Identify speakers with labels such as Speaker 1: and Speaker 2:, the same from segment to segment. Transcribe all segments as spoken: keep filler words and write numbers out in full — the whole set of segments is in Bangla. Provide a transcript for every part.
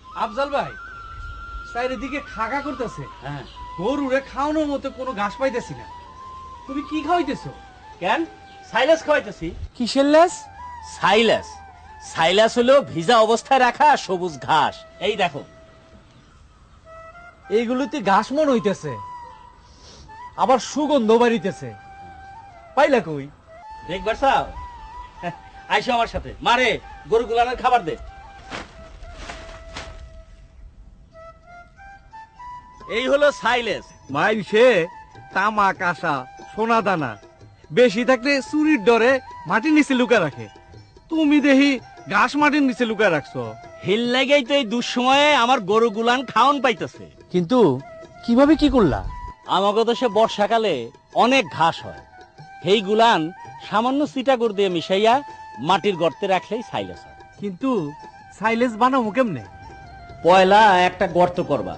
Speaker 1: আফজাল ভাই চারিদিকে খাগা করতেছে,
Speaker 2: হ্যাঁ
Speaker 1: গরুরে খাওয়ানোর মতো কোনো ঘাস পাইতেছি না। তুমি কি খাওয়াইতেছো?
Speaker 2: কেন সাইলাস খাওয়াইতেছি।
Speaker 1: কিসের লেস?
Speaker 2: সাইলাস সাইলাস হলো ভিজা অবস্থায় রাখা সবুজ ঘাস। এই দেখো
Speaker 1: এইগুলোতে ঘাস মন হইতেছে, আবার সুগন্ধ বাড়িতেছে। পাইলা কই?
Speaker 2: দেখবার চাও? আইসো আমার সাথে, মারে গরু গুলানের খাবার দে। এই হলো সাইলেস।
Speaker 1: মাইলসে তামাক আশা সোনা দানা বেশি থাকলে চুরির ডরে মাটির নিচে লুকা রাখে, তুমি দেখি ঘাস মাটির নিচে লুকা রাখছো।
Speaker 2: হিল লেগেই তো এই দুঃসময়ে আমার গরু গুলান খাওন পাইতেছে।
Speaker 1: কিন্তু কিভাবে কি করলা?
Speaker 2: আমাকে তো সে বর্ষাকালে অনেক ঘাস হয়, সেই গুলান সামান্য চিটাগুড় দিয়ে মিশাইয়া মাটির গর্তে রাখলেই সাইলেস হয়।
Speaker 1: কিন্তু সাইলেস বানাবো কেমনে?
Speaker 2: পয়লা একটা গর্ত করবা,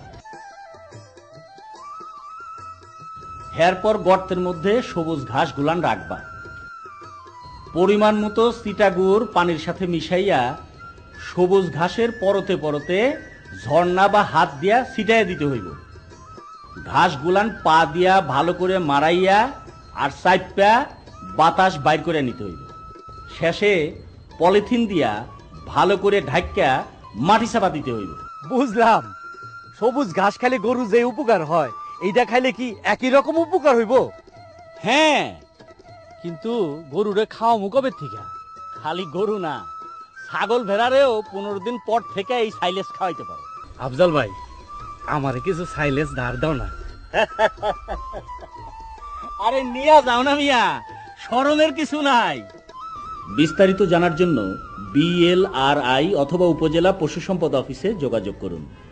Speaker 2: এরপর গর্তের মধ্যে সবুজ ঘাস গুলান রাখবা, পরিমাণ মতো চিটাগুড় পানির সাথে মিশাইয়া সবুজ ঘাসের পরতে পরতে ঝর্ণা বা হাত দিয়া ছিটাইয়া দিতে হইব। ঘাস গুলান পা দিয়া ভালো করে মারাইয়া আর চাইপা বাতাস বাইর করে নিতে হইব। শেষে পলিথিন দিয়া ভালো করে ঢাক্কা মাটি চাপা দিতে হইব।
Speaker 1: বুঝলাম, সবুজ ঘাস খাইলে গরু যে উপকার হয় এইটা খাইলে কি একই রকম উপকার হইব?
Speaker 2: হ্যাঁ,
Speaker 1: কিন্তু গরুরে খাওয়ামু কবে থেকে?
Speaker 2: খালি গরু না, ছাগল ভেড়ারেও পনেরো দিন পর থেকে এই সাইলেস খাওয়াইতে পারে।
Speaker 1: আফজাল ভাই, আমারে কিছু সাইলেস ধার দাও না।
Speaker 2: আরে নিয়া যাও না মিয়া, শরমের কিছু নাই। বিস্তারিত জানার জন্য বিএলআরআই অথবা উপজেলা পশু সম্পদ অফিসে যোগাযোগ করুন।